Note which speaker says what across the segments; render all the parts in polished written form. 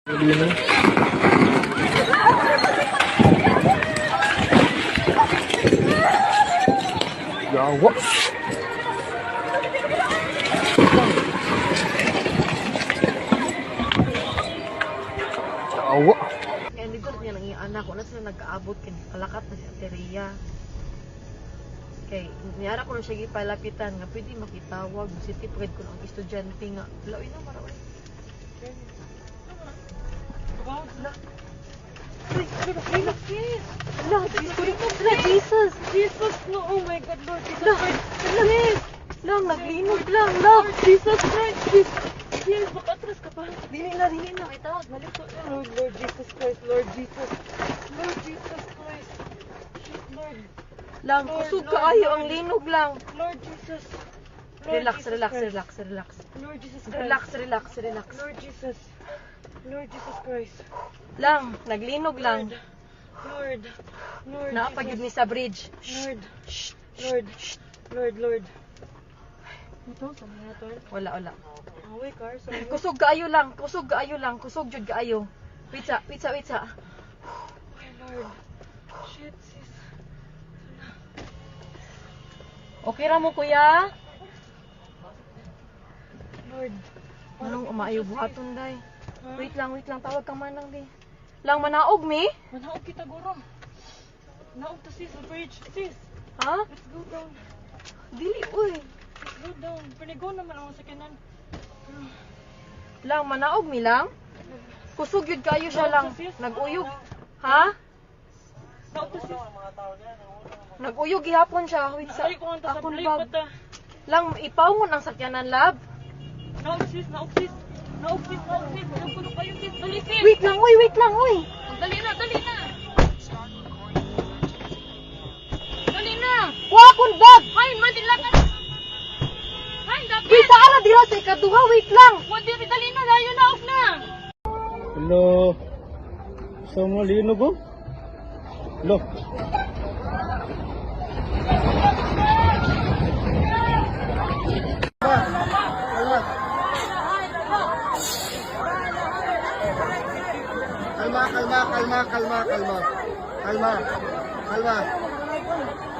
Speaker 1: Yawa. Yawa.
Speaker 2: Kaya nito niya lang yung anak ko na sila nag-aabot kalakat na si Ateria. Kay niyara ko na siya gipalapitan nga pwede makitawag si tipred ko ng estudyante nga lawin na marawin. Jesus! Jesus! No! Oh my God, Lord Jesus Christ! Yes! Lang, naglinog lang! Lord Jesus Christ! Yes! Makatras ka pa! Dili na! Itawag! Malito! Lord Jesus Christ! Lord Jesus! Lord Jesus Christ! Lord! Lang, kusog ka ayo ang linog lang! Lord Jesus! Relax!
Speaker 3: Lord Jesus Christ.
Speaker 2: Relax.
Speaker 3: Lord Jesus. Lord Jesus Christ.
Speaker 2: Lang, naglinog lang.
Speaker 3: Lord.
Speaker 2: Naapagid mi sa bridge.
Speaker 3: Lord. Ito, sa mga to.
Speaker 2: Wala.
Speaker 3: Away car, sorry.
Speaker 2: Kusog kaayo lang. Kusog jud kaayo. Witsa.
Speaker 3: Oh, Lord. Shit, sis.
Speaker 2: Okay ra mo kuya?
Speaker 3: Lord.
Speaker 2: Anong umaayo buhaton day? Wait lang, tawag kang manang di. Lang manaog mi?
Speaker 3: Manaog kita guro. Naog to sis, sa bridge. Sis,
Speaker 2: Ha?
Speaker 3: let's go down.
Speaker 2: Dili uy.
Speaker 3: Let's go down. Panigo naman ako sa kanan.
Speaker 2: Lang manaog mi lang? Kusog yun kayo siya lang. Nag-uyog. Ha?
Speaker 3: Naog to sis.
Speaker 2: Nag-uyog gihapon siya. Wait sa
Speaker 3: Ay, kung ang
Speaker 2: akong
Speaker 3: tasabli
Speaker 2: bag.
Speaker 3: pa ta.
Speaker 2: Lang ipawngon ang sakyanan lab.
Speaker 3: Naog sis. Naog ko kayo sis. Dali sis.
Speaker 2: Wait lang uy.
Speaker 3: Dali na. Dali na.
Speaker 2: Wa akong bag.
Speaker 3: Hay, madilatan. Hay, dapat.
Speaker 2: Wait sa ara dira sa ikaduha. Wait lang.
Speaker 3: Dali na. Layo na off na.
Speaker 1: Hello. Sa mo linog ko? Hello. Kalma.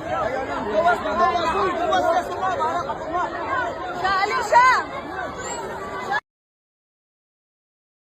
Speaker 4: Sa Alicia!